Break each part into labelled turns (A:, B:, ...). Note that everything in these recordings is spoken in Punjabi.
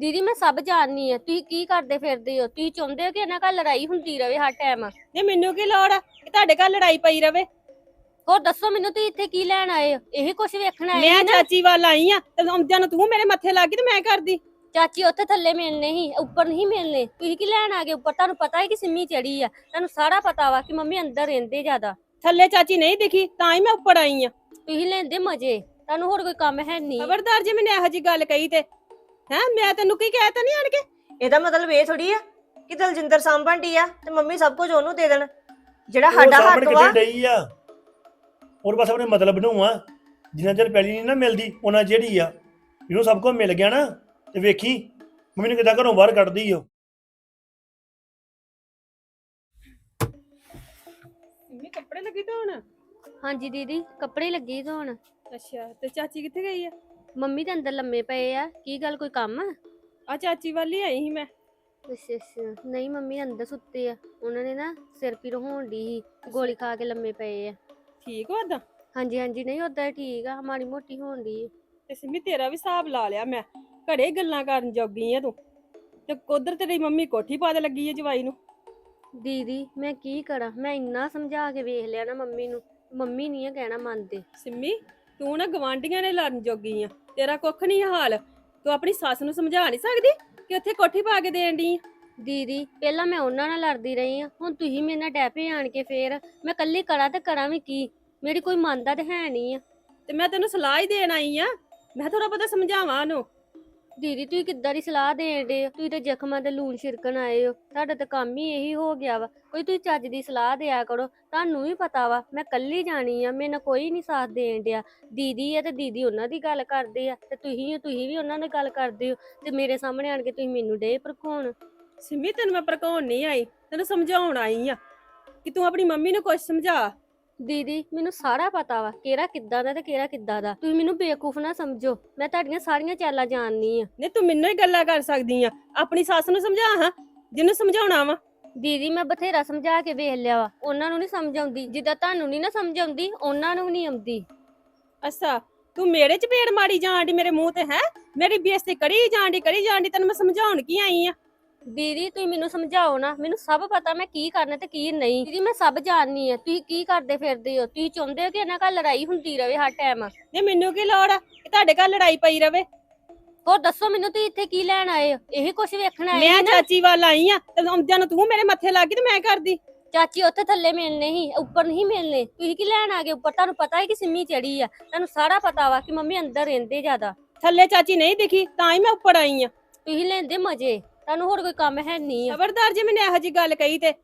A: ਦੀਦੀ ਮੈਂ ਸਭ ਜਾਣਨੀ ਆ ਤੁਸੀਂ ਕੀ ਕਰਦੇ ਫਿਰਦੇ ਹੋ। ਤੁਸੀਂ ਚਾਹੁੰਦੇ ਹੋ ਕਿ ਇਹਨਾਂ ਘਰ ਲੜਾਈ ਹੁੰਦੀ ਰਵੇ ਹਰ ਟਾਈਮ।
B: ਨਹੀਂ ਮੈਨੂੰ ਕੀ ਲੋੜ ਆ ਕਿ ਤੁਹਾਡੇ ਘਰ ਲੜਾਈ ਪਈ ਰਵੇ।
A: ਹੋਰ ਦੱਸੋ ਮੈਨੂੰ ਤੁਸੀਂ ਇੱਥੇ ਕੀ ਲੈਣ ਆਏ ਹੋ? ਇਹੀ ਕੁਝ ਵੇਖਣ ਆਏ
B: ਮੈਂ
A: ਸੀ ਨਾ।
B: ਚਾਚੀ ਵੱਲ ਆਈ ਆ ਤੇ ਆਉਂਦਿਆਂ ਨੂੰ ਤੂੰ ਮੇਰੇ ਮੱਥੇ ਲੱਗ ਗਈ ਤੇ ਮੈਂ ਕਰਦੀ।
A: ਚਾਚੀ ਉੱਥੇ ਥੱਲੇ ਮਿਲਨੇ ਸੀ, ਉੱਪਰ ਨਹੀਂ ਮਿਲਨੇ। ਤੁਸੀਂ ਕੀ ਲੈਣ ਆ ਗਏ ਉੱਪਰ? ਤੁਹਾਨੂੰ ਪਤਾ ਹੈ ਕਿ ਸਿੰਮੀ ਚੜੀ ਆ, ਤੁਹਾਨੂੰ ਸਾਰਾ ਪਤਾ ਵਾ ਕਿ ਮੰਮੀ ਅੰਦਰ ਰਹਿੰਦੇ ਜ਼ਿਆਦਾ।
B: ਥੱਲੇ ਚਾਚੀ ਨਹੀਂ ਦਿਖੀ ਤਾਂ ਹੀ ਮੈਂ ਉੱਪਰ ਆਈ ਆ।
A: ਤੁਸੀਂ ਲੈਂਦੇ ਮਜ਼ੇ, ਤੁਹਾਨੂੰ ਹੋਰ ਕੋਈ ਕੰਮ ਹੈ ਨਹੀਂ।
B: ਖਬਰਦਾਰ ਜੇ ਮੈਨੂੰ ਇਹੋ ਜੀ ਗੱਲ ਕਹੀ ਤੇ ਮੈਂ ਤੈਨੂੰ ਕੀ ਕਹਿ ਤਾ ਨਹੀਂ ਆਣ ਕੇ।
C: ਇਹਦਾ ਮਤਲਬ ਇਹ ਥੋੜੀ ਆ ਕਿ ਦਲਜਿੰਦਰ ਸਾਂਭਣ ਡੀ ਆ ਤੇ ਮੰਮੀ ਸਭ ਕੁਝ ਉਹਨੂੰ ਦੇ ਦੇਣ, ਜਿਹੜਾ
D: ਉਹ
C: ਸਾਡਾ
D: ਸਾਂਭਣ
C: ਹੱਕ ਵਾ।
D: ਕਿੱਥੇ ਡਈ ਆ? ਔਰ ਬਸ ਆਪਣੇ ਮਤਲਬ ਨੂੰ ਆ, ਜਿੰਨਾ ਚਿਰ ਪਹਿਲੀ ਨਹੀਂ ਨਾ ਮਿਲਦੀ ਉਹਨਾਂ ਜਿਹੜੀ ਆ ਇਹਨੂੰ ਸਭ ਕੁਝ ਮਿਲ ਗਿਆ ਨਾ ਤੇ ਵੇਖੀ ਮੰਮੀ ਨੂੰ ਕਿੱਦਾਂ ਘਰੋਂ ਬਾਹਰ ਕੱਢਦੀ ਓ।
B: ਮੰਮੀ ਕੱਪੜੇ ਲੱਗੀ ਧੋਣ?
A: ਹਾਂਜੀ ਦੀਦੀ ਕੱਪੜੇ ਲੱਗੇ ਧੋਣ।
B: ਅੱਛਾ ਤੇ ਚਾਚੀ ਕਿੱਥੇ ਗਈ ਆ?
A: ਮੰਮੀ ਦੇ ਅੰਦਰ ਲੰਮੇ ਪਏ ਆ। ਕੀ ਗੱਲ ਕੋਈ ਕੰਮ ਆ?
B: ਆ ਚਾਚੀ ਵੱਲ ਹੀ ਆਈ ਸੀ ਮੈਂ।
A: ਅੱਛਾ ਅੱਛਾ, ਨਹੀਂ ਮੰਮੀ ਅੰਦਰ ਸੁੱਤੇ ਆ। ਉਹਨਾਂ ਨੇ ਨਾ ਸਿਰ ਪੀੜ ਹੋਣ ਦੀ ਸੀ, ਗੋਲੀ ਖਾ ਕੇ ਲੰਮੇ ਪਏ ਆ।
B: ਠੀਕ ਵਾ ਓਦਾਂ?
A: ਹਾਂਜੀ ਹਾਂਜੀ, ਨਹੀਂ ਓਦਾਂ ਠੀਕ ਆ, ਮਾੜੀ ਮੋਟੀ ਹੋਣ ਦੀ।
B: ਤੇ ਸਿੰਮੀ ਤੇਰਾ ਵੀ ਹਿਸਾਬ ਲਾ ਲਿਆ ਮੈਂ। ਘੜੇ ਗੱਲਾਂ ਕਰਨ ਜੋਗੀ ਆ ਤੂੰ ਤੇ ਉਧਰ ਤੇਰੀ ਮੰਮੀ ਕੋਠੀ ਪਾ ਦੇ ਲੱਗੀ ਆ ਜਵਾਈ ਨੂੰ।
A: ਦੀਦੀ ਮੈਂ ਕੀ ਕਰਾਂ, ਮੈਂ ਇੰਨਾ ਸਮਝਾ ਕੇ ਵੇਖ ਲਿਆ ਨਾ ਮੰਮੀ ਨੂੰ, ਮੰਮੀ ਨਹੀਂ ਆ ਕਹਿਣਾ ਮੰਨਦੇ।
B: ਸਿੰਮੀ ਤੂੰ ਨਾ ਗਵਾਂਢੀਆਂ ਨੇ ਲੜਨ ਜੋਗੀ ਆ, ਤੇਰਾ ਕੁੱਖ ਨਹੀਂ ਹਾਲ। ਤੂੰ ਆਪਣੀ ਸੱਸ ਨੂੰ ਸਮਝਾ ਨਹੀਂ ਸਕਦੀ ਕਿ ਉੱਥੇ ਕੋਠੀ ਪਾ ਕੇ ਦੇਣ ਦੀ।
A: ਦੀਦੀ ਪਹਿਲਾਂ ਮੈਂ ਉਹਨਾਂ ਨਾਲ ਲੜਦੀ ਰਹੀ ਆ, ਹੁਣ ਤੁਸੀਂ ਮੇਰੇ ਨਾਲ ਡੈਪੇ ਆਣ ਕੇ ਫੇਰ ਮੈਂ ਕੱਲੀ ਕਰਾਂ ਤੇ ਕਰਾਂ ਵੀ ਕੀ? ਮੇਰੀ ਕੋਈ ਮੰਨਦਾ ਤੇ ਹੈ ਨਹੀਂ ਆ।
B: ਤੇ ਮੈਂ ਤੈਨੂੰ ਸਲਾਹ ਹੀ ਦੇਣ ਆਈ ਆ, ਮੈਂ ਥੋੜਾ ਬਹੁਤਾ ਸਮਝਾਵਾਂ ਉਹਨੂੰ।
A: ਦੀਦੀ ਤੁਸੀਂ ਕਿੱਦਾਂ ਦੀ ਸਲਾਹ ਦੇਣ ਡੇ ਹੋ? ਤੁਸੀਂ ਤਾਂ ਜ਼ਖਮਾਂ ਤੇ ਲੂਣ ਛਿੜਕਣ ਆਏ ਹੋ, ਤੁਹਾਡਾ ਤਾਂ ਕੰਮ ਹੀ ਇਹੀ ਹੋ ਗਿਆ ਵਾ। ਕੋਈ ਤੁਸੀਂ ਚੱਜ ਦੀ ਸਲਾਹ ਦਿਆ ਕਰੋ। ਤੁਹਾਨੂੰ ਵੀ ਪਤਾ ਵਾ ਮੈਂ ਕੱਲੀ ਜਾਣੀ ਆ, ਮੇਰੇ ਨਾਲ ਕੋਈ ਨਹੀਂ ਸਾਥ ਦੇਣ ਡਿਆ। ਦੀਦੀ ਆ ਤੇ ਦੀਦੀ ਉਹਨਾਂ ਦੀ ਗੱਲ ਕਰਦੇ ਆ ਤੇ ਤੁਸੀਂ ਵੀ ਉਹਨਾਂ ਦੀ ਗੱਲ ਕਰਦੇ ਹੋ, ਤੇ ਮੇਰੇ ਸਾਹਮਣੇ ਆਣ ਕੇ ਤੁਸੀਂ ਮੈਨੂੰ ਡੇ ਭੜਕਾਉਣ।
B: ਸਿੰਮੀ ਤੈਨੂੰ ਮੈਂ ਭੜਕਾਉਣ ਨਹੀਂ ਆਈ, ਤੈਨੂੰ ਸਮਝਾਉਣ ਆਈ ਆ ਕਿ ਤੂੰ ਆਪਣੀ ਮੰਮੀ ਨੂੰ ਕੁਝ ਸਮਝਾ।
A: ਦੀਦੀ ਮੈਨੂੰ ਸਾਰਾ ਪਤਾ ਵਾ ਕਿਹੜਾ ਕਿੱਦਾਂ ਦਾ ਤੇ ਕਿਹੜਾ ਕਿੱਦਾਂ ਦਾ। ਤੁਸੀਂ ਮੈਨੂੰ ਬੇਵਕੂਫ ਨਾ ਸਮਝੋ, ਮੈਂ ਤੁਹਾਡੀਆਂ ਸਾਰੀਆਂ ਚਾਲਾਂ ਜਾਣਨੀ ਆ।
B: ਨਹੀਂ ਤੂੰ ਮੈਨੂੰ ਹੀ ਗੱਲਾਂ ਕਰ ਸਕਦੀ ਆ, ਆਪਣੀ ਸੱਸ ਨੂੰ ਸਮਝਾ ਹਾਂ ਜਿਹਨੂੰ ਸਮਝਾਉਣਾ ਵਾ।
A: ਦੀਦੀ ਮੈਂ ਬਥੇਰਾ ਸਮਝਾ ਕੇ ਵੇਖ ਲਿਆ ਵਾ, ਉਹਨਾਂ ਨੂੰ ਨਹੀਂ ਸਮਝ ਆਉਂਦੀ। ਜਿੱਦਾਂ ਤੁਹਾਨੂੰ ਨਹੀਂ ਨਾ ਸਮਝ ਆਉਂਦੀ ਉਹਨਾਂ ਨੂੰ ਨਹੀਂ ਆਉਂਦੀ।
B: ਅੱਛਾ ਤੂੰ ਮੇਰੇ ਚ ਪੇੜ ਮਾਰੀ ਜਾਣ ਦੀ ਮੇਰੇ ਮੂੰਹ ਤੇ ਹੈ? ਮੇਰੀ ਬੇਇੱਜ਼ਤੀ ਕਰੀ ਜਾਣ ਦੀ ਤੈਨੂੰ ਮੈਂ ਸਮਝਾਉਣ ਕੀ ਆਈ ਆ।
A: ਦੀਦੀ ਤੁਸੀਂ ਮੈਨੂੰ ਸਮਝਾਓ ਨਾ, ਮੈਨੂੰ ਸਭ ਪਤਾ ਮੈਂ ਕੀ ਕਰਨਾ ਤੇ ਕੀ ਨਹੀਂ। ਦੀਦੀ ਮੈਂ ਸਭ ਜਾਣਨੀ ਆ ਤੁਸੀਂ ਕੀ ਕਰਦੇ ਫਿਰਦੇ ਹੋ। ਤੁਸੀਂ ਚਾਹੁੰਦੇ ਹੋ ਕਿ ਇਹਨਾਂ ਘਰ ਲੜਾਈ ਹੁੰਦੀ ਰਵੇ ਹਰ ਟਾਈਮ।
B: ਨਹੀਂ ਮੈਨੂੰ ਕੀ ਲੋੜ ਆ ਕਿ ਤੁਹਾਡੇ ਘਰ ਲੜਾਈ ਪਈ ਰਵੇ।
A: ਹੋਰ ਦੱਸੋ ਮੈਨੂੰ ਤੁਸੀਂ ਇੱਥੇ ਕੀ ਲੈਣ ਆਏ ਹੋ? ਇਹੀ ਕੁਝ ਵੇਖਣ ਆਏ
B: ਮੈਂ
A: ਸੀ ਨਾ।
B: ਚਾਚੀ ਵੱਲ ਆਈ ਆ ਤੇ ਆਉਂਦਿਆਂ ਨੂੰ ਤੂੰ ਮੇਰੇ ਮੱਥੇ ਲੱਗ ਗਈ ਤੇ ਮੈਂ ਕਰਦੀ।
A: ਚਾਚੀ ਉੱਥੇ ਥੱਲੇ ਮਿਲਨੇ ਸੀ, ਉੱਪਰ ਨਹੀਂ ਮਿਲਨੇ। ਤੁਸੀਂ ਕੀ ਲੈਣ ਆ ਗਏ ਉੱਪਰ? ਤੁਹਾਨੂੰ ਪਤਾ ਹੈ ਕਿ ਸਿੰਮੀ ਚੜੀ ਆ, ਤੁਹਾਨੂੰ ਸਾਰਾ ਪਤਾ ਵਾ ਕਿ ਮੰਮੀ ਅੰਦਰ ਰਹਿੰਦੇ ਜ਼ਿਆਦਾ।
B: ਥੱਲੇ ਚਾਚੀ ਨਹੀਂ ਦਿਖੀ ਤਾਂ ਹੀ ਮੈਂ ਉੱਪਰ ਆਈ ਆ।
A: ਤੁਸੀਂ ਲੈਂਦੇ ਮਜ਼ੇ, ਤੁਹਾਨੂੰ ਹੋਰ ਕੋਈ ਕੰਮ ਹੈ ਨਹੀਂ ਆ।
B: ਖਬਰਦਾਰ ਜੇ ਮੈਨੂੰ ਇਹੋ ਜੀ ਗੱਲ ਕਹੀ ਤੇ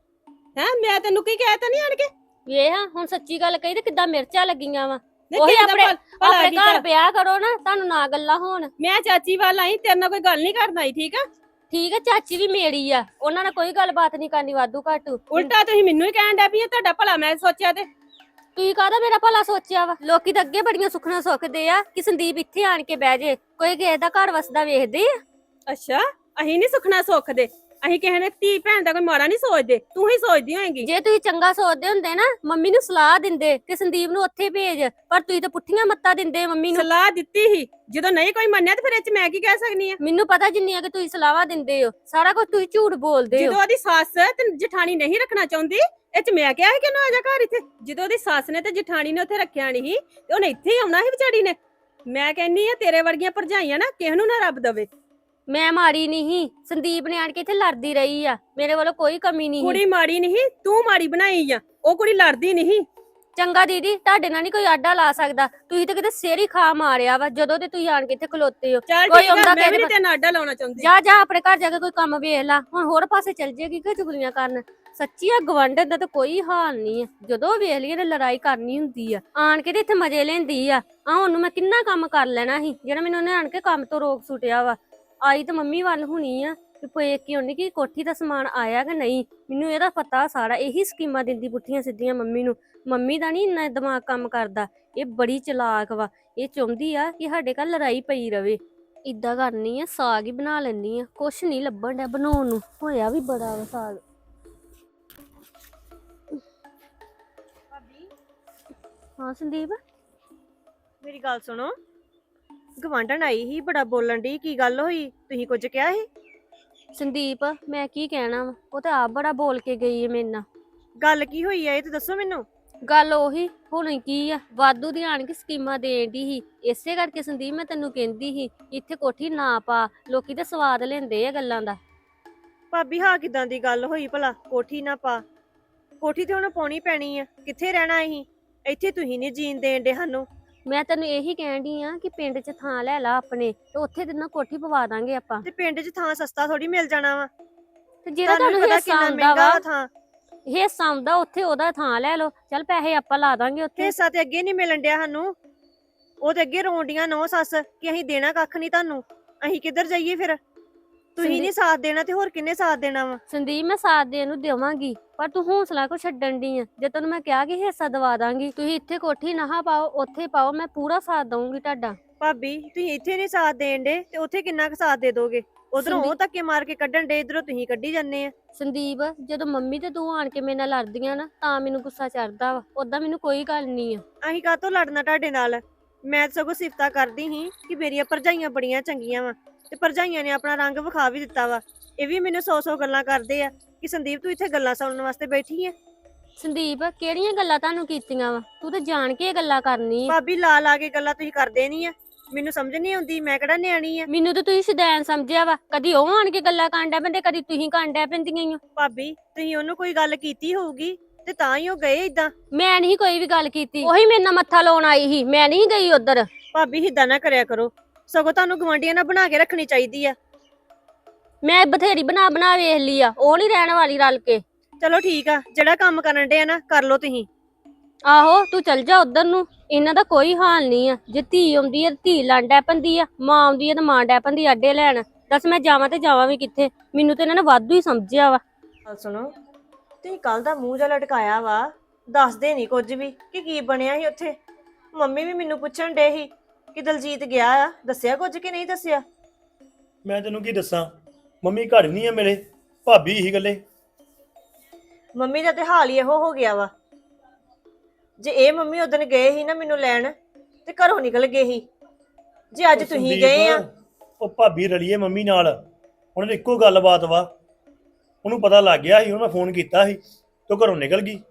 B: ਮੈਂ ਤੈਨੂੰ ਕੀ ਕਹਿ ਤਾ ਨਹੀਂ ਆਣ ਕੇ।
A: ਵੇਖ ਹੁਣ ਸੱਚੀ ਗੱਲ ਕਹੀ ਤੇ ਕਿੱਦਾਂ ਮਿਰਚਾਂ ਲੱਗੀਆਂ ਵਾ।
B: ਨਹੀਂ
A: ਉਹੀ
B: ਕਿਸੇ ਦਾ ਭਲਾ
A: ਆਪਣੇ
B: ਕੀਤਾ।
A: ਘਰ ਵਿਆਹ ਕਰੋ ਨਾ, ਤੁਹਾਨੂੰ ਨਾ ਗੱਲਾਂ ਹੋਣ।
B: ਮੈਂ ਚਾਚੀ ਵੱਲ ਆਈ, ਤੇਰੇ ਨਾਲ ਕੋਈ ਗੱਲ ਨਹੀਂ ਕਰਨਾ ਆਈ, ਠੀਕ ਆ?
A: ਠੀਕ ਹੈ ਚਾਚੀ ਵੀ ਮੇਰੀ ਆ, ਉਹਨਾਂ ਨਾਲ ਕੋਈ ਗੱਲਬਾਤ ਨਹੀਂ ਕਰਨੀ ਵਾਧੂ ਘਾਟੂ।
B: ਉਲਟਾ ਤੁਸੀਂ ਮੈਨੂੰ ਹੀ ਕਹਿਣ ਡਿਆ ਵੀ ਇਹ ਤੁਹਾਡਾ ਭਲਾ ਮੈਂ ਸੋਚਿਆ ਤੇ।
A: ਤੁਸੀਂ ਕਾਹਦਾ ਮੇਰਾ ਭਲਾ ਸੋਚਿਆ ਵਾ? ਲੋਕੀ ਤਾਂ ਅੱਗੇ ਬੜੀਆਂ ਸੁਖਣਾ ਸੁੱਖਦੇ ਆ ਕਿ ਸੰਦੀਪ ਇੱਥੇ ਆਣ ਕੇ ਬਹਿ ਜੇ। ਕੋਈ ਕਿਸੇ ਦਾ ਘਰ ਵਸਦਾ ਵੇਖਦੇ ਆ?
B: ਅੱਛਾ ਅਸੀਂ ਨਹੀਂ ਸੁਖਣਾ ਸੁੱਖਦੇ, ਅਸੀਂ ਕਿਸੇ ਨੇ ਧੀ ਭੈਣ ਦਾ ਕੋਈ ਮਾੜਾ ਨਹੀਂ ਸੋਚਦੇ, ਤੂੰ ਹੀ ਸੋਚਦੀ ਹੋਏਗੀ।
A: ਜੇ ਤੁਸੀਂ ਚੰਗਾ ਸੋਚਦੇ ਹੁੰਦੇ ਨਾ ਮੰਮੀ ਨੂੰ ਸਲਾਹ ਦਿੰਦੇ ਕਿ ਸੰਦੀਪ ਨੂੰ ਉੱਥੇ ਭੇਜ, ਪਰ ਤੁਸੀਂ ਤਾਂ ਪੁੱਠੀਆਂ ਮੱਤਾਂ ਦਿੰਦੇ ਮੰਮੀ ਨੂੰ।
B: ਸਲਾਹ ਦਿੱਤੀ ਸੀ, ਜਦੋਂ ਨਹੀਂ ਕੋਈ ਮੰਨਿਆ ਤੇ ਫਿਰ ਇਹ ਚ ਮੈਂ ਕੀ ਕਹਿ ਸਕਨੀ ਆ?
A: ਮੈਨੂੰ ਪਤਾ ਜਿੰਨੀਆਂ ਕਿ ਤੁਸੀਂ ਸਲਾਹਾਂ ਦਿੰਦੇ ਹੋ, ਸਾਰਾ ਕੁਝ ਤੁਸੀਂ ਝੂਠ ਬੋਲਦੇ ਹੋ।
B: ਜਦੋਂ ਉਹਦੀ ਸੱਸ ਤੇ ਜਠਾਣੀ ਨਹੀਂ ਰੱਖਣਾ ਚਾਹੁੰਦੀ, ਇਹ ਚ ਮੈਂ ਕਿਹਾ ਸੀ ਕਿ ਨਾ ਆ ਜਾ ਘਰ ਇੱਥੇ। ਜਦੋਂ ਉਹਦੀ ਸੱਸ ਨੇ ਤੇ ਜਠਾਣੀ ਨੇ ਉੱਥੇ ਰੱਖਿਆ ਨਹੀਂ ਤੇ ਉਹਨੇ ਇੱਥੇ ਹੀ ਆਉਣਾ ਸੀ ਵਿਚਾਰੀ ਨੇ। ਮੈਂ ਕਹਿੰਨੀ ਆ ਤੇਰੇ ਵਰਗੀਆਂ ਭਰਜਾਈਆਂ ਨਾ ਕਿਸੇ ਨੂੰ ਨਾ ਰੱਬ ਦਵੇ।
A: ਮੈਂ ਮਾੜੀ ਨਹੀਂ, ਸੰਦੀਪ ਨੇ ਆਣ ਕੇ ਇੱਥੇ ਲੜਦੀ ਰਹੀ ਆ, ਮੇਰੇ ਵੱਲੋਂ ਕੋਈ ਕਮੀ ਨਹੀਂ।
B: ਕੁੜੀ ਮਾੜੀ ਨਹੀਂ, ਤੂੰ ਮਾੜੀ ਬਣਾਈ ਆ। ਉਹ ਕੁੜੀ ਲੜਦੀ ਨਹੀਂ।
A: ਚੰਗਾ ਦੀਦੀ ਤੁਹਾਡੇ ਨਾਲ ਨਹੀਂ ਕੋਈ ਆਡਾ ਲਾ ਸਕਦਾ, ਤੁਸੀਂ ਤਾਂ ਕਿਤੇ ਸਿਰ ਹੀ ਖਾ ਮਾਰਿਆ ਵਾ ਜਦੋਂ ਤੇ ਤੁਸੀਂ ਆਣ ਕੇ ਇੱਥੇ ਖਲੋਤੇ ਹੋ।
B: ਚੱਲ
A: ਕੋਈ
B: ਠੀਕ
A: ਆਉਂਦਾ
B: ਆ, ਮੈਂ ਵੀ
A: ਕਿਸੇ
B: ਨਹੀਂ ਤੇਰੇ ਨਾਲ ਆਡਾ ਲਾਉਣਾ ਚਾਹੁੰਦੀ।
A: ਜਾ ਆਪਣੇ ਘਰ ਜਾ ਕੇ ਕੋਈ ਕੰਮ ਵੇਖ ਲਾ। ਹੁਣ ਹੋਰ ਪਾਸੇ ਚੱਲ ਜੇਗੀ ਕਿ ਚੁਗਲੀਆਂ ਕਰਨ? ਸੱਚੀ ਆ ਗਵੰਡ ਦਾ ਤਾਂ ਕੋਈ ਹਾਲ ਨਹੀਂ ਆ, ਜਦੋਂ ਵੇਖ ਲਈਏ ਤੇ ਲੜਾਈ ਕਰਨੀ ਹੁੰਦੀ ਆ। ਆਣ ਕੇ ਤੇ ਇੱਥੇ ਮਜ਼ੇ ਲੈਂਦੀ ਆ। ਉਹਨੂੰ ਮੈਂ ਕਿੰਨਾ ਕੰਮ ਕਰ ਲੈਣਾ ਸੀ ਜਿਹੜਾ ਮੈਨੂੰ ਉਹਨੇ ਆਣ ਕੇ ਕੰਮ ਤੋਂ ਰੋਕ ਸੁੱਟਿਆ ਵਾ। ਆਈ ਤਾਂ ਮੰਮੀ ਵੱਲ ਹੁਣੀ ਆ ਕਿ ਪੇਕ ਕੀ ਹੋਣੀ ਕਿ ਕੋਠੀ ਦਾ ਸਮਾਨ ਆਇਆ ਕਿ ਨਹੀਂ। ਮੈਨੂੰ ਇਹਦਾ ਪਤਾ ਸਾਰਾ, ਇਹੀ ਸਕੀਮਾਂ ਦਿੰਦੀ ਪੁੱਠੀਆਂ ਸਿੱਧੀਆਂ ਮੰਮੀ ਨੂੰ। ਮੰਮੀ ਦਾ ਨਹੀਂ ਇੰਨਾ ਦਿਮਾਗ ਕੰਮ ਕਰਦਾ, ਇਹ ਬੜੀ ਚਲਾਕ ਵਾ। ਇਹ ਚਾਹੁੰਦੀ ਆ ਕਿ ਸਾਡੇ ਘਰ ਲੜਾਈ ਪਈ ਰਵੇ। ਇਦਾਂ ਕਰਨੀ ਆ, ਸਾਗ ਹੀ ਬਣਾ ਲੈਣੀ ਆ। ਕੁਛ ਨਹੀਂ ਲੱਭਣ ਡਿਆ ਬਣਾਉਣ ਨੂੰ, ਹੋਇਆ ਵੀ ਬੜਾ ਵਾ ਸਾਗ। ਹਾਂ ਸੰਦੀਪ
C: ਮੇਰੀ ਗੱਲ ਸੁਣੋ। ਗਵਾਂਢਣ ਆਈ ਸੀ, ਬੜਾ ਬੋਲਣ ਦੀ ਕੀ ਗੱਲ ਹੋਈ? ਤੁਸੀਂ ਕੁਝ ਕਿਹਾ ਸੀ?
A: ਸੰਦੀਪ ਮੈਂ ਕੀ ਕਹਿਣਾ ਵਾ, ਉਹ ਤਾਂ ਆਪ ਬੜਾ ਬੋਲ ਕੇ ਗਈ ਹੈ ਮੇਰੇ ਨਾਲ।
C: ਗੱਲ ਕੀ ਹੋਈ ਆ ਇਹ ਤੇ ਦੱਸੋ ਮੈਨੂੰ।
A: ਗੱਲ ਉਹੀ ਹੁਣ ਕੀ ਆ, ਵਾਧੂ ਦੀ ਆਣ ਕੇ ਸਕੀਮਾਂ ਦੇਣ ਦੀ ਸੀ। ਇਸੇ ਕਰਕੇ ਸੰਦੀਪ ਮੈਂ ਤੈਨੂੰ ਕਹਿੰਦੀ ਸੀ ਇੱਥੇ ਕੋਠੀ ਨਾ ਪਾ, ਲੋਕੀ ਤੇ ਸਵਾਦ ਲੈਂਦੇ ਆ ਗੱਲਾਂ ਦਾ।
C: ਭਾਬੀ ਹਾਂ ਕਿਦਾਂ ਦੀ ਗੱਲ ਹੋਈ ਭਲਾ? ਕੋਠੀ ਨਾ ਪਾ, ਕੋਠੀ ਤੇ ਹੁਣ ਪਾਉਣੀ ਪੈਣੀ ਆ, ਕਿੱਥੇ ਰਹਿਣਾ ਅਸੀਂ? ਇੱਥੇ ਤੁਸੀਂ ਨਹੀਂ ਜੀਣ ਦੇਣ ਦੇ ਸਾਨੂੰ।
A: ਮੈਂ ਤੈਨੂੰ ਇਹੀ ਕਹਿਣ ਡਈ ਆ ਕਿ ਪਿੰਡ 'ਚ ਥਾਂ ਲੈ ਲਾ ਆਪਣੇ, ਤੇ ਉੱਥੇ ਤੇ ਨਾ ਕੋਠੀ ਪਵਾ ਦਾਂਗੇ ਆਪਾਂ।
C: ਤੇ ਪਿੰਡ 'ਚ ਥਾਂ ਸਸਤਾ ਥੋੜੀ ਮਿਲ ਜਾਣਾ ਵਾ।
A: ਤੇ ਜਿਹੜਾ
C: ਤੁਹਾਨੂੰ
A: ਤੁਹਾਨੂੰ
C: ਪਤਾ
A: ਹਿੱਸਾ
C: ਕਿੰਨਾ
A: ਆਉਂਦਾ
C: ਮਹਿੰਗਾ
A: ਵਾ,
C: ਵਾ ਥਾਂ।
A: ਹਿੱਸਾ ਆਉਂਦਾ ਉੱਥੇ ਉਹਦਾ ਥਾਂ ਲੈ ਲਓ, ਚੱਲ ਪੈਸੇ ਆਪਾਂ ਲਾ ਦਾਂਗੇ ਉੱਥੇ।
C: ਹਿੱਸਾ ਤੇ ਅੱਗੇ ਨਹੀਂ ਮਿਲਣ ਡਿਆ ਸਾਨੂੰ। ਉਹ ਤੇ ਅੱਗੇ ਰੋਂਡੀਆਂ ਨੌ ਸੱਸ ਕਿ ਅਸੀਂ ਦੇਣਾ ਕੱਖ ਨਹੀਂ ਤੁਹਾਨੂੰ। ਅਸੀਂ ਕਿੱਧਰ ਜਾਈਏ ਫਿਰ? ਤੁਸੀਂ ਨਹੀਂ ਸਾਥ ਦੇਣਾ ਤੇ ਹੋਰ ਕਿੰਨੇ ਸਾਥ ਦੇਣਾ ਵਾ?
A: ਸੰਦੀਪ ਮੈਂ ਸਾਥ ਦੇਣ ਨੂੰ ਦੇਵਾਂਗੀ, ਪਰ ਤੂੰ ਹੌਸਲਾ ਕੋ ਛੱਡਣ ਦੀ ਆ। ਜੇ ਤੈਨੂੰ ਮੈਂ ਕਿਹਾ ਕਿ ਹਿੱਸਾ ਦਵਾ ਦਾਂਗੀ, ਤੁਸੀਂ ਇੱਥੇ ਕੋਠੀ ਨਾ ਪਾਓ ਉੱਥੇ ਪਾਓ, ਮੈਂ ਪੂਰਾ ਸਾਥ ਦਊਂਗੀ ਤੁਹਾਡਾ।
C: ਭਾਬੀ ਤੁਸੀਂ ਇੱਥੇ ਨਹੀਂ ਸਾਥ ਦੇਣ ਦੇ ਤੇ ਉੱਥੇ ਕਿੰਨਾ ਕੁ ਸਾਥ ਦੇ ਦੋਗੇ? ਉਧਰੋਂ ਉਹ ਧੱਕੇ ਮਾਰ ਕੇ ਕੱਢਣ ਦੇ, ਇਧਰੋਂ ਤੁਸੀਂ ਕੱਢੀ ਜਾਂਦੇ ਆ।
A: ਸੰਦੀਪ ਜਦੋਂ ਮੰਮੀ ਤੇ ਤੂੰ ਆਣ ਕੇ ਮੇਰੇ ਨਾਲ ਲੜਦੀਆਂ ਨਾ, ਤਾਂ ਮੈਨੂੰ ਗੁੱਸਾ ਚੜਦਾ ਵਾ, ਓਦਾਂ ਮੈਨੂੰ ਕੋਈ ਗੱਲ ਨਹੀਂ ਆ।
C: ਅਸੀਂ ਕਾਹਤੋਂ ਲੜਨਾ ਤੁਹਾਡੇ ਨਾਲ? ਮੈਂ ਤਾਂ ਸਗੋਂ ਸਿਫਤਾਂ ਕਰਦੀ ਸੀ ਕਿ ਮੇਰੀਆਂ ਭਰਜਾਈਆਂ ਬੜੀਆਂ ਚੰਗੀਆਂ ਵਾ, ਤੇ ਭਰਜਾਈਆਂ ਨੇ ਆਪਣਾ ਰੰਗ ਵਿਖਾ ਵੀ ਦਿੱਤਾ ਵਾ। ਇਹ ਵੀ ਮੈਨੂੰ 100 ਗੱਲਾਂ ਕਰਦੇ ਆ ਕਿ ਸੰਦੀਪ ਤੂੰ ਇੱਥੇ ਗੱਲਾਂ ਸੁਣਨ ਵਾਸਤੇ ਬੈਠੀ ਆ।
A: ਸੰਦੀਪ ਕਿਹੜੀਆਂ ਗੱਲਾਂ ਤੁਹਾਨੂੰ ਕੀਤੀਆਂ ਵਾ? ਤੂੰ ਤਾਂ ਜਾਣ ਕੇ ਇਹ ਗੱਲਾਂ ਕਰਨੀ ਆ।
C: ਭਾਬੀ ਲਾ ਲਾ ਕੇ ਗੱਲਾਂ ਤੁਸੀਂ ਕਰਦੇ ਨਹੀਂ ਆ, ਮੈਨੂੰ ਸਮਝ ਨਹੀਂ ਆਉਂਦੀ। ਮੈਂ ਕਿਹੜਾ ਨਿਆਣੀ ਆ?
A: ਮੈਨੂੰ ਤਾਂ ਤੁਸੀਂ ਸ਼ੁਦੈਣ ਸਮਝਿਆ ਵਾ, ਕਦੀ ਉਹ ਆਣ ਕੇ ਗੱਲਾਂ ਕਰਨ ਡੈ ਪੈਂਦੇ, ਕਦੀ ਤੁਸੀਂ ਕਰਨ ਡੈ ਪੈਂਦੀਆਂ ਈ ਓ।
C: ਭਾਬੀ ਤੁਸੀਂ ਉਹਨੂੰ ਕੋਈ ਗੱਲ ਕੀਤੀ ਹੋਊਗੀ ਤੇ ਤਾਂ ਹੀ ਉਹ ਗਏ ਇਦਾਂ।
A: ਮੈਂ ਨਹੀਂ ਕੋਈ ਵੀ ਗੱਲ ਕੀਤੀ, ਉਹੀ ਮੇਰੇ ਨਾਲ ਮੱਥਾ ਲਾਉਣ ਆਈ ਸੀ, ਮੈਂ ਨਹੀਂ ਗਈ ਉਧਰ।
C: ਭਾਬੀ ਏਦਾਂ ਨਾ ਕਰਿਆ ਕਰੋ, ਸਗੋਂ ਤੁਹਾਨੂੰ ਗਵਾਂਢੀਆਂ ਨਾਲ ਬਣਾ ਕੇ ਰੱਖਣੀ ਚਾਹੀਦੀ ਆ।
A: ਮੈਂ ਬਥੇਰੀ ਬਣਾ ਬਣਾ ਵੇਖ ਲਈ ਆ, ਉਹ ਨਹੀਂ ਰਹਿਣ ਵਾਲੀ ਰਲ ਕੇ।
C: ਚਲੋ ਠੀਕ ਆ, ਜਿਹੜਾ ਕੰਮ ਕਰਨ ਦੇ ਆ ਨਾ ਕਰ ਲਓ ਤੁਸੀਂ।
A: ਆਹੋ ਤੂੰ ਚੱਲ ਜਾ ਉਧਰ ਨੂੰ, ਇਹਨਾਂ ਦਾ ਕੋਈ ਹਾਲ ਨਹੀਂ ਆ। ਜੇ ਧੀ ਆਉਂਦੀ ਆ ਧੀ ਲੜ ਡੈ ਪੈਂਦੀ ਆ, ਮਾਂ ਆਉਂਦੀ ਆ ਤੇ ਮਾਂ ਡੈ ਪੈਂਦੀ ਆਡੇ ਲੈਣ। ਦੱਸ ਮੈਂ ਜਾਵਾਂ ਤੇ ਜਾਵਾਂ ਵੀ ਕਿੱਥੇ? ਮੈਨੂੰ ਤੇ ਇਹਨਾਂ ਨੇ ਵਾਧੂ ਹੀ ਸਮਝਿਆ ਵਾ।
C: ਗੱਲ ਸੁਣੋ, ਤੁਸੀਂ ਕੱਲ ਦਾ ਮੂੰਹ ਜਿਹਾ ਲਟਕਾਇਆ ਵਾ, ਦੱਸਦੇ ਨਹੀਂ ਕੁਝ ਵੀ ਕਿ ਕੀ ਬਣਿਆ ਸੀ ਉੱਥੇ। ਮੰਮੀ ਵੀ ਮੈਨੂੰ ਪੁੱਛਣ ਡੇ ਸੀ ਕਿ ਦਲਜੀਤ ਗਿਆ ਆ, ਦੱਸਿਆ ਕੁਝ ਕਿ ਨਹੀਂ ਦੱਸਿਆ?
D: ਮੈਂ ਤੈਨੂੰ ਕੀ ਦੱਸਾਂ, ਮੰਮੀ ਘਰ ਨਹੀਂ ਆ ਮੇਰੇ, ਭਾਬੀ ਹੀ ਗੱਲੇ।
C: ਮੰਮੀ ਦਾ ਤੇ ਹਾਲ ਹੀ ਇਹੋ ਹੋ ਗਿਆ ਵਾ। ਜੇ ਇਹ ਮੰਮੀ ਉਦਣ ਗਏ ਸੀ ਨਾ ਮੈਨੂੰ ਲੈਣ, ਤੇ ਘਰੋਂ ਨਿਕਲ ਗਏ ਸੀ। ਜੇ ਅੱਜ
D: ਉਹ
C: ਤੁਸੀਂ
D: ਸੰਦੀਪ,
C: ਗਏ ਆ।
D: ਉਹ ਭਾਬੀ ਰਲੀਏ ਮੰਮੀ ਨਾਲ, ਉਹਨਾਂ ਦੀ ਇੱਕੋ ਗੱਲਬਾਤ ਵਾ। ਉਹਨੂੰ ਪਤਾ ਲੱਗ ਗਿਆ ਸੀ, ਉਹਨੂੰ ਮੈਂ ਫੋਨ ਕੀਤਾ ਸੀ ਤੇ ਉਹ ਘਰੋਂ ਨਿਕਲ ਗਈ।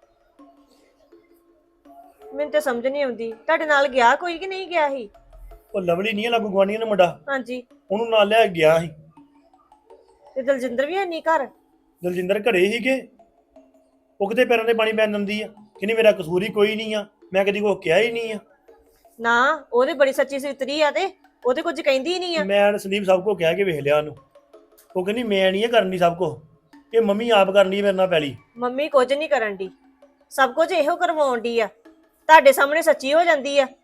C: ਮੈਨੂੰ ਤੇ ਸਮਝ ਨਹੀਂ ਆਉਂਦੀ, ਤੁਹਾਡੇ ਨਾਲ ਗਿਆ ਕੋਈ ਕਿ ਨਹੀਂ ਗਿਆ ਸੀ?
D: ਉਹ ਲਵਲੀ ਨਹੀਂ ਆ ਲਾਗੂ ਗੁਆਂਢੀਆਂ ਦਾ ਮੁੰਡਾ,
C: ਹਾਂਜੀ।
D: ਉਹਨੂੰ ਨਾਲ ਲੈ ਕੇ ਗਿਆ ਸੀ।
C: ਤੇ ਦਲਜਿੰਦਰ ਵੀ ਹੈ ਨਹੀਂ ਘਰ?
D: ਦਲਜਿੰਦਰ ਘਰੇ ਸੀਗੇ। ਉਹ ਕਿਤੇ ਪੈਰਾਂ ਤੇ ਪਾਣੀ ਪੈਣ ਦਿੰਦੀ ਆ, ਕਹਿੰਦੀ ਮੇਰਾ ਕਸੂਰ ਹੀ ਕੋਈ ਨਹੀਂ ਆ, ਮੈਂ ਕਦੀ ਕੋਈ ਕਿਹਾ ਹੀ ਨਹੀਂ ਆ।
C: ਨਾ ਉਹਦੇ ਬੜੀ ਸੱਚੀ ਸੁਤਰੀ ਆ, ਤੇ ਉਹ ਤੇ ਕੁਝ ਕਹਿੰਦੀ ਨਹੀਂ ਆ।
D: ਮੈਂ ਸੰਦੀਪ ਸਭ ਕੋ ਕਹਿ ਕੇ ਵੇਖ ਲਿਆ ਉਹਨੂੰ, ਉਹ ਕਹਿੰਦੀ ਮੈਂ ਨਹੀਂ ਕਰਨੀ ਸਭ ਕੁਛ, ਇਹ ਮੰਮੀ ਆਪ ਕਰਨੀ ਮੇਰੇ ਨਾਲ ਪੈਲੀ।
C: ਮੰਮੀ ਕੁਝ ਨਹੀਂ ਕਰਨ ਦੀ, ਸਭ ਕੁਝ ਇਹੋ ਕਰਵਾਉਣ ਦੀ ਆ, ਤੁਹਾਡੇ ਸਾਹਮਣੇ ਸੱਚੀ ਹੋ ਜਾਂਦੀ ਆ।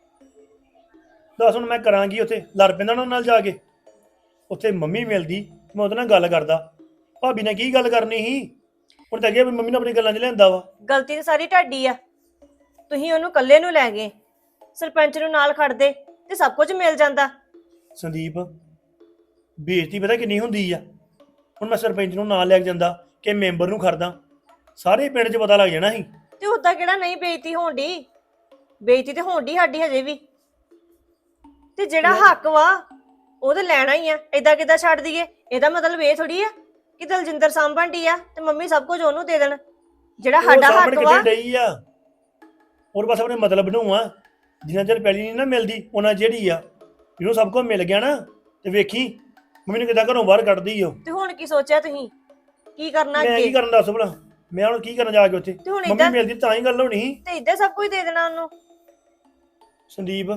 D: ਦੱਸ ਹੁਣ ਮੈਂ ਕਰਾਂਗੀ? ਉੱਥੇ ਲੜ ਪੈਂਦਾ ਉਹਨਾਂ ਨਾਲ ਜਾ ਕੇ। ਉੱਥੇ ਮੰਮੀ ਮਿਲਦੀ, ਮੈਂ ਉਹਦੇ ਨਾਲ ਗੱਲ ਕਰਦਾ। ਭਾਬੀ ਨੇ ਕੀ ਗੱਲ ਕਰਨੀ ਸੀ? ਹੁਣ ਤਾਂ ਅੱਗੇ ਵੀ ਮੰਮੀ ਨੇ ਆਪਣੀ ਗੱਲਾਂ 'ਚ ਲਿਆਂਦਾ ਵਾ।
C: ਗਲਤੀ ਤਾਂ ਸਾਰੀ ਤੁਹਾਡੀ ਆ, ਤੁਸੀਂ ਉਹਨੂੰ ਇਕੱਲੇ ਨੂੰ ਲੈ ਗਏ। ਸਰਪੰਚ ਨੂੰ ਨਾਲ ਖੜਦੇ ਤੇ ਸਭ ਕੁਝ ਮਿਲ ਜਾਂਦਾ।
D: ਸੰਦੀਪ ਬੇਇੱਜ਼ਤੀ ਪਤਾ ਕਿੰਨੀ ਹੁੰਦੀ ਆ? ਹੁਣ ਮੈਂ ਸਰਪੰਚ ਨੂੰ ਨਾਲ ਲੈ ਕੇ ਜਾਂਦਾ ਕਿ ਮੈਂਬਰ ਨੂੰ ਖੜਦਾ, ਸਾਰੇ ਪਿੰਡ 'ਚ ਪਤਾ ਲੱਗ ਜਾਣਾ ਸੀ।
C: ਤੇ ਉਦਾਂ ਕਿਹੜਾ ਨਹੀਂ ਬੇਇੱਜ਼ਤੀ ਹੋਣ ਦੀ? ਬੇਇੱਜ਼ਤੀ ਤੇ ਹੋਣ ਦੀ ਸਾਡੀ ਹਜੇ ਵੀ। ਤੇ ਜਿਹੜਾ ਹੱਕ ਵਾ ਉਹ ਤੇ ਲੈਣਾ ਹੀ ਆ, ਏਦਾਂ ਕਿੱਦਾਂ ਛੱਡ ਦਈਏ? ਇਹਦਾ ਮਤਲਬ ਇਹ ਥੋੜੀ ਆ ਕਿ ਦਲਜਿੰਦਰ ਸਾਂਭਣ ਦੀ ਆ ਤੇ ਮੰਮੀ ਸਭ ਕੁਝ ਉਹਨੂੰ ਦੇ ਦੇਣ। ਜਿਹੜਾ ਸਾਡਾ ਹੱਕ ਵਾ।
D: ਕਿਤੇ ਡਈ ਆ, ਹੋਰ ਬਸ ਆਪਣੇ ਮਤਲਬ ਨੂੰ ਆ। ਜਿੰਨਾ ਚਿਰ ਪੈਲੀ ਨਹੀਂ ਨਾ ਮਿਲਦੀ ਉਹਨਾਂ ਜਿਹੜੀ ਆ, ਜਿਹਨੂੰ ਸਭ ਕੁਝ ਮਿਲ ਗਿਆ ਨਾ, ਤੇ ਵੇਖੀ ਮੰਮੀ ਨੂੰ ਕਿੱਦਾਂ ਘਰੋਂ ਬਾਹਰ ਕੱਢਦੀ ਓ।
C: ਤੇ ਹੁਣ ਕੀ ਸੋਚਿਆ ਤੁਸੀਂ? ਕੀ ਕਰਨਾ
D: ਮੈਂ ਕੀ
C: ਅੱਗੇ?
D: ਕਰਨ ਦੱਸ ਭਲਾ, ਮੈਂ ਹੁਣ ਕੀ ਕਰਨ ਜਾ ਕੇ ਉੱਥੇ?
C: ਤੇ ਹੁਣ
D: ਮੰਮੀ
C: ਏਦਾਂ
D: ਮਿਲਦੀ ਤਾਂ ਹੀ ਗੱਲ ਹੋਣੀ ਸੀ।
C: ਤੇ ਏਦਾਂ ਸਭ ਕੁਝ ਦੇ ਦੇਣਾ ਉਹਨੂੰ।
D: ਸੰਦੀਪ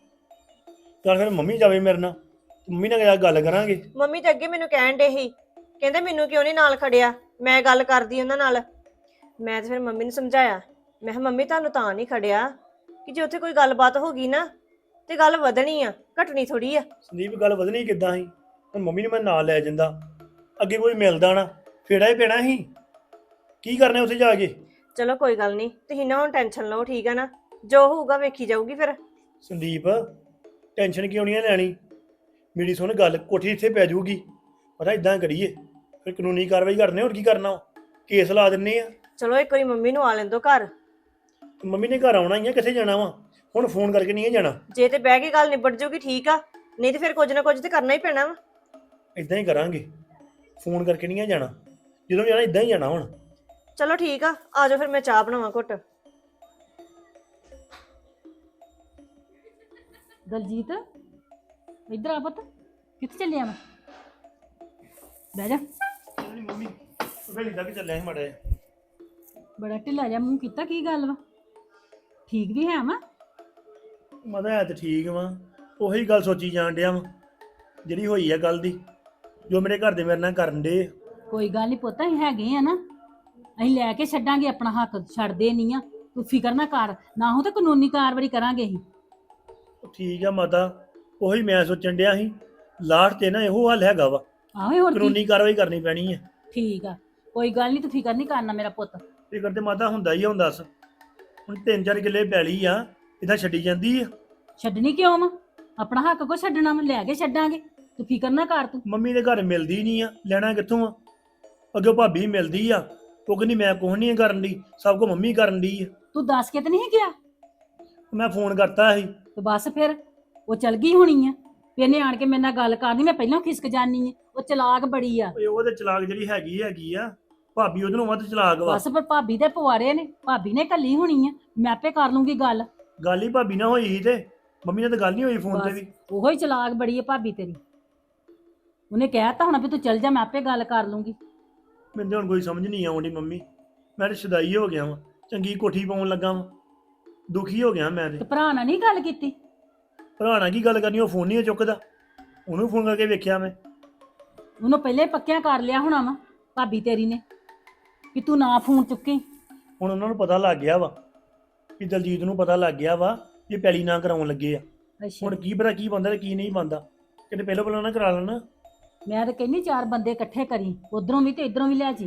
D: ਚੱਲ ਫਿਰ ਮੰਮੀ ਜਾਵੇ ਮੇਰੇ ਨਾਲ, ਮੰਮੀ ਨਾਲ ਗੱਲ ਕਰਾਂਗੇ।
C: ਮੰਮੀ ਤੇ ਅੱਗੇ ਮੈਨੂੰ ਕਹਿਣ ਡੇ ਸੀ, ਕਹਿੰਦੇ ਮੈਨੂੰ ਕਿਉਂ ਨਹੀਂ ਨਾਲ ਖੜਿਆ, ਮੈਂ ਗੱਲ ਕਰਦੀ ਉਹਨਾਂ ਨਾਲ। ਮੈਂ ਤੇ ਫਿਰ ਮੰਮੀ ਨੂੰ ਸਮਝਾਇਆ, ਮੈਂ ਕਿਹਾ ਮੰਮੀ ਤੁਹਾਨੂੰ ਤਾਂ ਨਹੀਂ ਖੜਿਆ ਕਿ ਜੇ ਉੱਥੇ ਕੋਈ ਗੱਲਬਾਤ ਹੋ ਗਈ ਨਾ ਤੇ ਗੱਲ ਵਧਣੀ ਆ, ਘਟਣੀ ਥੋੜੀ ਆ।
D: ਸੰਦੀਪ ਗੱਲ ਵਧਣੀ ਕਿੱਦਾਂ ਸੀ? ਹੁਣ ਮੰਮੀ ਨੂੰ ਮੈਂ ਨਾਲ ਲੈ ਜਾਂਦਾ, ਅੱਗੇ ਕੋਈ ਮਿਲਦਾ ਨਾ, ਫੇੜਾ ਹੀ ਪੈਣਾ ਸੀ। ਕੀ ਕਰਨਾ ਉੱਥੇ ਜਾ ਕੇ?
C: ਚਲੋ ਕੋਈ ਗੱਲ ਨਹੀਂ, ਤੁਸੀਂ ਨਾ ਹੁਣ ਟੈਨਸ਼ਨ ਲਓ, ਠੀਕ ਆ ਨਾ? ਜੋ ਹੋਊਗਾ ਵੇਖੀ ਜਾਊਗੀ ਫਿਰ।
D: ਸੰਦੀਪ ਟੈਨਸ਼ਨ ਕਿਉਂ ਨਹੀਂ ਲੈਣੀ? ਮੇਰੀ ਸੁਣ ਗੱਲ, ਕੋਠੀ ਇੱਥੇ ਪੈ ਜਾਊਗੀ। ਪਤਾ ਇਦਾਂ ਕਰੀਏ, ਫਿਰ ਕਾਨੂੰਨੀ ਕਾਰਵਾਈ ਕਰਨੇ, ਹੋਰ ਕੀ ਕਰਨਾ? ਕੇਸ ਲਾ ਦਿੰਨੇ ਆ।
C: ਚਲੋ ਇੱਕ ਵਾਰੀ ਮੰਮੀ ਨੂੰ ਆ ਲੈਣ ਦਿਓ ਘਰ।
D: ਮੰਮੀ ਨੇ ਘਰ ਆਉਣਾ ਹੀ ਆ, ਕਿੱਥੇ ਜਾਣਾ ਵਾ? ਹੁਣ ਫੋਨ ਕਰਕੇ ਨਹੀਂ ਜਾਣਾ।
C: ਜੇ ਤੇ ਬਹਿ ਕੇ ਗੱਲ ਨਿਬੜ ਜੂਗੀ ਠੀਕ ਆ, ਨਹੀਂ ਤੇ ਫਿਰ ਕੁਝ ਨਾ ਕੁਝ ਤੇ ਕਰਨਾ ਹੀ ਪੈਣਾ ਵਾ।
D: ਇਦਾਂ ਹੀ ਕਰਾਂਗੇ, ਫੋਨ ਕਰਕੇ ਨਹੀਂ ਜਾਣਾ, ਜਦੋਂ ਜਾਣਾ ਇਦਾਂ ਹੀ ਜਾਣਾ ਹੁਣ।
C: ਚਲੋ ਠੀਕ ਆ, ਆ ਜਾਓ ਫਿਰ ਮੈਂ ਚਾਹ ਬਣਾਵਾਂ ਘੁੱਟ।
E: ਦਲਜੀਤ ਇੱਧਰ ਆ ਪੁੱਤ, ਕਿੱਥੇ ਚੱਲਿਆ ਮੈਂ? ਬਹਿ ਜਾ।
D: ਨਹੀਂ ਮੰਮੀ ਵੇਲੀ ਤੱਕ ਚੱਲਿਆ ਸੀ ਮਾੜਾ ਜਿਹਾ।
E: ਬੜਾ ਢਿੱਲਾ ਜਿਹਾ ਮੂੰਹ ਕੀਤਾ, ਕੀ ਗੱਲ ਵਾ? ਠੀਕ ਵੀ ਹੈ ਵਾ?
D: ਮਦਾ ਹੈ ਤੇ ਠੀਕ ਵਾ, ਉਹੀ ਗੱਲ ਸੋਚੀ ਜਾਣ ਡਿਆ ਵਾ ਜਿਹੜੀ ਹੋਈ ਆ ਗੱਲ ਦੀ, ਜੋ ਮੇਰੇ ਘਰ ਦੇ ਮੇਰੇ ਨਾਲ ਕਰਨ ਦੇ।
E: ਕੋਈ ਗੱਲ ਨਹੀਂ ਪੁੱਤ, ਅਸੀਂ ਹੈਗੇ ਆ ਨਾ, ਅਸੀਂ ਲੈ ਕੇ ਛੱਡਾਂਗੇ ਆਪਣਾ ਹੱਕ, ਛੱਡਦੇ ਨਹੀਂ ਆ, ਤੂੰ ਫਿਕਰ ਨਾ ਕਰ, ਨਾ ਹੋ ਤਾਂ ਕਾਨੂੰਨੀ ਕਾਰਵਾਈ ਕਰਾਂਗੇ ਅਸੀਂ।
D: ਠੀਕ ਆ ਮਾਤਾ, ਉਹੀ ਮੈਂ ਸੋਚਣ ਡਿਆ ਸੀ, ਲਾਸਟ ਤੇ ਨਾ ਇਹੋ ਹੱਲ ਹੈਗਾ ਵਾ,
E: ਆਹੋ ਹੋਰ ਕੀ?
D: ਕਾਨੂੰਨੀ ਕਾਰਵਾਈ ਕਰਨੀ ਪੈਣੀ ਹੈ।
E: ਠੀਕ ਆ, ਕੋਈ ਗੱਲ ਨਹੀਂ, ਤੂੰ ਫਿਕਰ ਨਹੀਂ ਕਰਨਾ ਮੇਰਾ ਪੁੱਤ।
D: ਫਿਕਰ ਤੇ ਮਾਤਾ ਹੁੰਦਾ ਹੀ ਆ, ਹੁਣ ਦੱਸ, ਹੁਣ 3-4 ਕਿੱਲੇ ਪੈਲੀ ਆ, ਇਦਾਂ ਛੱਡੀ ਜਾਂਦੀ ਆ।
E: ਛੱਡਣੀ ਕਿਉਂ ਵਾ? ਆਪਣਾ ਹੱਕ ਕੋ ਛੱਡਣਾ ਵਾ, ਲੈ ਕੇ ਛੱਡਾਂਗੇ, ਤੂੰ ਫਿਕਰ ਨਾ ਕਰ ਤੂੰ।
D: ਮੰਮੀ ਦੇ ਘਰ ਮਿਲਦੀ ਨਹੀਂ ਆ, ਲੈਣਾ ਕਿੱਥੋਂ ਆ? ਅੱਗੇ ਭਾਬੀ ਮਿਲਦੀ ਆ, ਉਹ ਕਹਿੰਦੀ ਮੈਂ ਕੁਛ ਨਹੀਂ ਕਰਨ ਦੀ, ਸਭ ਕੁਝ ਮੰਮੀ ਕਰਨ ਦੀ ਆ।
E: ਤੂੰ ਦੱਸ ਕੇ ਤੇ ਨਹੀਂ ਗਿਆ?
D: ਮੈਂ ਫੋਨ ਕਰਤਾ ਸੀ।
E: ਤੇ ਬਸ ਫਿਰ ਉਹ ਚਲ ਗਈ ਹੋਣੀ ਆ, ਫਿਰ ਇਹਨੇ ਆਣ ਕੇ ਮੇਰੇ ਨਾਲ ਗੱਲ ਕਰਨੀ, ਮੈਂ ਪਹਿਲਾਂ ਖਿਸਕ ਜਾਨੀ ਆ, ਉਹ ਚਲਾਕ ਬੜੀ ਆ।
D: ਓਏ ਉਹਦੇ ਚਲਾਕ ਜਿਹੜੀ ਹੈਗੀ ਆ, ਭਾਬੀ ਉਹਦੇ ਨੂੰ ਵੱਧ ਚਲਾਕ ਵਾ।
E: ਬਸ ਪਰ ਭਾਬੀ ਦੇ ਪਵਾਰੇ ਨੇ, ਭਾਬੀ ਨੇ ਕੱਲੀ ਹੋਣੀ ਆ, ਮੈਂ ਆਪੇ ਕਰ ਲੂੰਗੀ ਗੱਲ।
D: ਗੱਲ ਹੀ ਭਾਬੀ ਨਾਲ ਹੋਈ ਸੀ ਤੇ ਮੰਮੀ ਨਾਲ ਤਾਂ ਗੱਲ ਨਹੀਂ ਹੋਈ ਫੋਨ ਤੇ
E: ਬਸ
D: ਵੀ।
E: ਉਹੋ ਹੀ ਚਲਾਕ ਬੜੀ ਆ ਭਾਬੀ ਤੇਰੀ, ਉਹਨੇ ਕਹਿਤਾ ਹੋਣਾ ਵੀ ਤੂੰ ਚੱਲ ਜਾ, ਮੈਂ ਆਪੇ ਗੱਲ ਕਰ ਲੂੰਗੀ।
D: ਮੈਨੂੰ ਤਾਂ ਹੁਣ ਕੋਈ ਸਮਝ ਨਹੀਂ ਆਉਂਦੀ ਮੰਮੀ, ਮੈਂ ਤਾਂ ਸ਼ੁਦਾਈ ਹੋ ਗਿਆ ਵਾਂ, ਚੰਗੀ ਕੋਠੀ ਪਾਉਣ ਲੱਗਾ ਵਾਂ, ਦੁਖੀ ਹੋ ਗਿਆ ਮੈਂ
E: ਤੇ
D: ਤੇ।
E: ਭਰਾ ਨਾਲ ਨਹੀਂ ਗੱਲ ਕੀਤੀ?
D: ਭਰਾ ਨਾਲ ਕੀ ਗੱਲ ਕਰਨੀ, ਉਹ ਫੋਨ ਨਹੀਂ ਚੁੱਕਦਾ, ਉਹਨੂੰ ਫੋਨ ਕਰਕੇ ਵੇਖਿਆ ਮੈਂ।
E: ਉਹਨੂੰ ਪਹਿਲੇ ਪੱਕਿਆ ਕਰ ਲਿਆ ਹੋਣਾ ਵਾ ਭਾਬੀ ਤੇਰੀ ਨੇ, ਕਿ ਤੂੰ ਨਾ ਫੋਨ ਚੁੱਕੀ।
D: ਹੁਣ ਉਹਨਾਂ ਨੂੰ ਪਤਾ ਲੱਗ ਗਿਆ ਵਾ, ਕਿ ਦਲਜੀਤ ਨੂੰ ਪਤਾ ਲੱਗ ਗਿਆ ਵਾ ਕਿ ਪੈਲੀ ਨਾ ਕਰਾਉਣ ਲੱਗੇ ਆ।
E: ਅੱਛਾ,
D: ਹੁਣ ਕੀ ਪਤਾ ਕੀ ਬੰਦਾ ਤੇ ਕੀ ਨਹੀਂ ਬੰਦਾ, ਕਿਤੇ ਪਹਿਲਾਂ ਨਾ ਕਰਾ ਲੈਣਾ।
E: ਮੈਂ ਤਾਂ ਕਹਿੰਦੀ 4 ਬੰਦੇ ਇਕੱਠੇ ਕਰੀ, ਉਧਰੋਂ ਵੀ ਤੇ ਇਧਰੋਂ ਵੀ ਲੈ ਜੀ,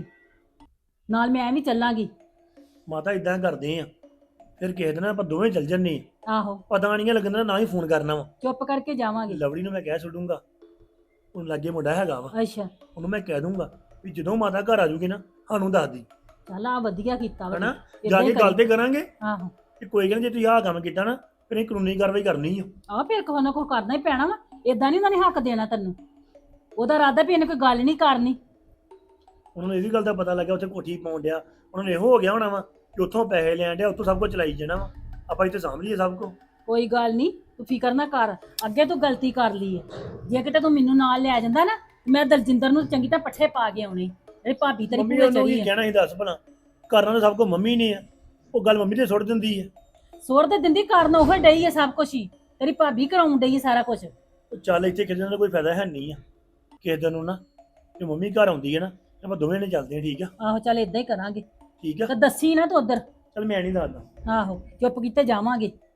E: ਨਾਲ ਮੈਂ ਵੀ ਚੱਲਾਂਗੀ।
D: ਮਾਤਾ ਇਦਾਂ ਕਰਦੇ ਆ, ਫਿਰ ਕਿਸੇ ਦਿਨ ਆਪਾਂ ਦੋਵੇਂ ਚੱਲ ਜੰਨੇ,
E: ਆਹੋ,
D: ਪਤਾ ਨਹੀਂ ਲੱਗਦਾ ਨਾ ਹੀ ਫੋਨ ਕਰਨਾ ਵਾ।
E: ਚੁੱਪ ਕਰਕੇ ਜਾਵਾਂਗੇ।
D: ਲਵੜੀ ਨੂੰ ਮੈਂ ਕਹਿ ਛੱਡੂੰਗਾ, ਹੁਣ ਲਾਗੇ ਮੁੰਡਾ ਹੈਗਾ ਵਾ,
E: ਅੱਛਾ,
D: ਉਹਨੂੰ ਮੈਂ ਕਹਿ ਦੂੰਗਾ ਵੀ ਜਦੋਂ ਮਾਤਾ ਘਰ ਆ ਜੂਗੀ ਨਾ ਸਾਨੂੰ ਦੱਸ ਦੀ,
E: ਚੱਲ ਆ ਵਧੀਆ ਕੀਤਾ ਵਾ,
D: ਹਨਾ?
E: ਏਦਾਂ
D: ਜਾ
E: ਹੀ
D: ਕੇ ਗੱਲ ਤੇ ਕਰਾਂਗੇ
E: ਆਹੋ,
D: ਕਿ ਕੋਈ ਗੱਲ ਨੀ, ਜੇ ਤੁਸੀਂ ਆਹ ਕੰਮ ਕੀਤਾ ਨਾ ਫਿਰ ਇਹ ਕਾਨੂੰਨੀ ਕਾਰਵਾਈ ਕਰਨੀ ਆ।
E: ਆਹ ਫਿਰ ਕੋਈ ਨਾ ਕੋਈ ਕਰਨਾ ਹੀ ਪੈਣਾ ਵਾ, ਏਦਾਂ ਨਹੀਂ ਉਹਨਾਂ ਨੇ ਹੱਕ ਦੇਣਾ ਤੈਨੂੰ। ਉਹਦਾ ਇਰਾਦਾ ਵੀ ਇਹਨੇ ਕੋਈ ਗੱਲ ਨਹੀਂ ਕਰਨੀ।
D: ਉਹਨਾਂ ਨੂੰ ਇਹ ਵੀ ਗੱਲ ਦਾ ਪਤਾ ਲੱਗਿਆ ਉੱਥੇ ਕੋਠੀ ਪਾਉਣ ਡਿਆ, ਉਹਨਾਂ ਨੂੰ ਇਹੋ ਹੋ ਗਿਆ ਹੋਣਾ ਵਾ ਕਿ ਉੱਥੋਂ ਪੈਸੇ ਲੈਣ ਡਿਆ, ਉੱਥੋਂ ਸਭ ਕੁਝ ਚਲਾਈ ਜਾਣਾ ਵਾ, ਆਪਾਂ ਇੱਥੇ ਸਾਂਭ ਲਈਏ ਸਭ ਕੁਝ।
E: ਕੋਈ ਗੱਲ ਨਹੀਂ, ਤੂੰ ਫਿਕਰ ਨਾ ਕਰ, ਅੱਗੇ ਤੂੰ ਗਲਤੀ ਕਰ ਲਈ ਹੈ, ਜੇ ਕਿਤੇ ਤੂੰ ਮੈਨੂੰ ਨਾਲ ਲੈ ਜਾਂਦਾ ਨਾ, ਮੈਂ ਦਲਜਿੰਦਰ ਨੂੰ ਚੰਗੀ ਤਰ੍ਹਾਂ ਪੱਠੇ ਪਾ ਕੇ ਆਉਣੇ। ਤੇਰੀ ਭਾਬੀ ਤੇਰੀ
D: ਮੰਮੀ
E: ਪੂਰੇ
D: ਉਹਨੂੰ
E: ਚੜੀ
D: ਕੀ
E: ਹੈ,
D: ਕਹਿਣਾ ਸੀ ਦੱਸ ਭਲਾ, ਕਰਨਾ ਤਾਂ ਸਭ ਕੁਝ ਮੰਮੀ ਨੇ ਆ, ਉਹ ਗੱਲ ਮੰਮੀ ਤੇ ਸੁੱਟ ਦਿੰਦੀ ਹੈ।
E: ਸੋਰ ਤੇ ਦਿੰਦੀ ਕਰਨ ਉਹ ਡਈ ਹੈ ਸਭ ਕੁਝ ਹੀ, ਤੇਰੀ ਭਾਬੀ ਕਰਾਉਣ ਡਈ ਹੈ ਸਾਰਾ ਕੁਝ।
D: ਉਹ ਚੱਲ ਇੱਥੇ ਕਿਸੇ ਦਾ ਕੋਈ ਫਾਇਦਾ ਹੈ ਨਹੀਂ ਆ, ਕਿਸੇ ਦਿਨ ਨੂੰ ਨਾ ਜੇ ਮੰਮੀ ਘਰ ਆਉਂਦੀ ਹੈ ਨਾ ਤੇ ਆਪਾਂ ਦੋਵੇਂ ਨੇ ਚੱਲਦੇ ਆ, ਠੀਕ ਆ?
E: ਆਹੋ ਚੱਲ ਏਦਾਂ ਹੀ ਕਰਾਂਗੇ,
D: ਠੀਕ ਆ,
E: ਤੇ ਦੱਸੀ ਨਾ ਤੂੰ ਉਧਰ।
D: ਚੱਲ ਮੈਂ ਨਹੀਂ ਦੱਸਦਾ।
E: ਆਹੋ ਚੁੱਪ ਕੀਤੇ ਜਾਵਾਂਗੇ,